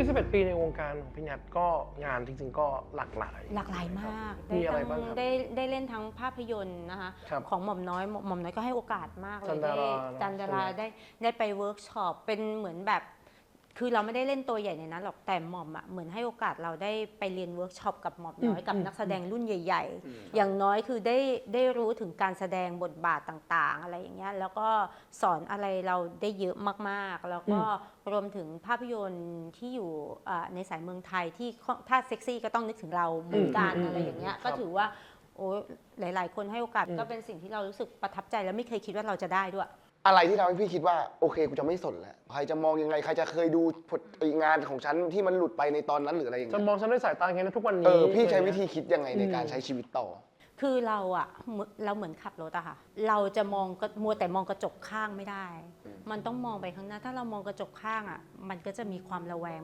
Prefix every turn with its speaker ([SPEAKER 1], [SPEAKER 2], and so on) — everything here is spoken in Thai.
[SPEAKER 1] 21 ปีในวงการของพี่แนทก็งานจริงๆก็หลากหลาย
[SPEAKER 2] มาก
[SPEAKER 1] มีอะไรบ้างครับ
[SPEAKER 2] ได้เล่นทั้งภาพยนตร์นะคะ
[SPEAKER 1] ครับ
[SPEAKER 2] ของหม่อมน้อยก็ให้โอกาสมากเลย
[SPEAKER 1] จันดารา
[SPEAKER 2] ได้ไปเวิร์กช็อปเป็นเหมือนแบบคือเราไม่ได้เล่นตัวใหญ่ในนั้นหรอกแต่หม่อมอ่ะเหมือนให้โอกาสเราได้ไปเรียนเวิร์กช็อปกับหม่อมน้อยกับนักแสดงรุ่นใหญ่ ๆ อย่างน้อยคือได้รู้ถึงการแสดงบทบาทต่างๆอะไรอย่างเงี้ยแล้วก็สอนอะไรเราได้เยอะมากๆแล้วก็รวมถึงภาพยนตร์ที่อยู่ในสายเมืองไทยที่ถ้าเซ็กซี่ก็ต้องนึกถึงเราเหมือนกันอะไรอย่างเงี้ยก็ถือว่าโอ้หลายๆคนให้โอกาสก็เป็นสิ่งที่เรารู้สึกประทับใจและไม่เคยคิดว่าเราจะได้ด้วย
[SPEAKER 3] อะไรที่ทำให้พี่คิดว่าโอเคกูจะไม่สนแล้วใครจะมองยังไงใครจะเคยดูงานของฉันที่มันหลุดไปในตอนนั้นหรืออะไรอย่าง
[SPEAKER 1] จะ
[SPEAKER 3] เงี้ย
[SPEAKER 1] มองฉันด้วยสายตาไงนะทุกวันนี้
[SPEAKER 3] พี่ใช้วิธีคิดยังไงในการใช้ชีวิตต่อ
[SPEAKER 2] คือเราเหมือนขับรถอะค่ะเราจะมัวแต่มองกระจกข้างไม่ได้มันต้องมองไปข้างหน้าถ้าเรามองกระจกข้างอะมันก็จะมีความระแวง